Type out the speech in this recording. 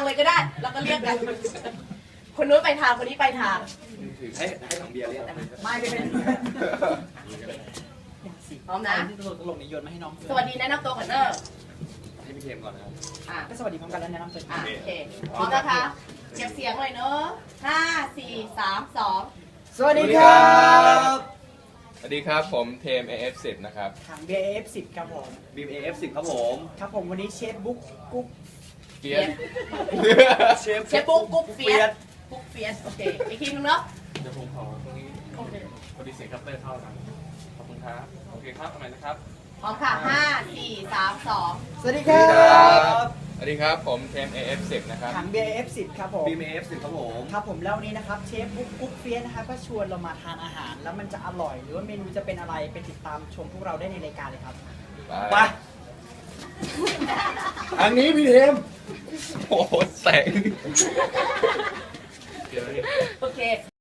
เลยก็ได้ แล้วก็เรียกกันคนนู้นไปทางคนนี้ไปทางถือให้ถังเบียร์เรียกไม่เป็นพร้อมนะที่ตลกนี้โยนมาให้น้องสวัสดีแนะนำตัวก่อนเนอะให้พี่เทมก่อนนะครับอ่ะก็สวัสดีพร้อมกันแล้วแนะนำตัวโอเคพร้อมนะคะเก็บเสียงเลยเนอะห้าสี่สามสองสวัสดีครับสวัสดีครับผมเทม AF10 นะครับทาง BF10 ครับผมบีม AF10 ครับผมครับผมวันนี้เชฟบุ๊กกุ๊กเฟียสเชฟปุ๊กกุ๊กเฟียสกุ๊กเฟียสโอเคอีกทีนึงเนาะเดี๋ยวผมขอตรงนี้โอเคพอดีเสียงคัพเตอร์เข้านะขอบคุณครับ โอเคครับทำไมนะครับพร้อมค่ะห้าสี่สามสองสวัสดีครับสวัสดีครับผมเทม AF10 นะครับทาง BF10 ครับผมบีม AF10 ครับผมครับผมแล้ววันนี้นะครับเชฟบุ๊กกุ๊กเฟียสนะครับก็ชวนเรามาทานอาหาร แล้วมันจะอร่อยหรือว่าเมนูจะเป็นอะไรไปติดตามชมพวกเราได้ในรายการเลยครับไปอันนี้พี่เทมโอ้โหแสงโอเค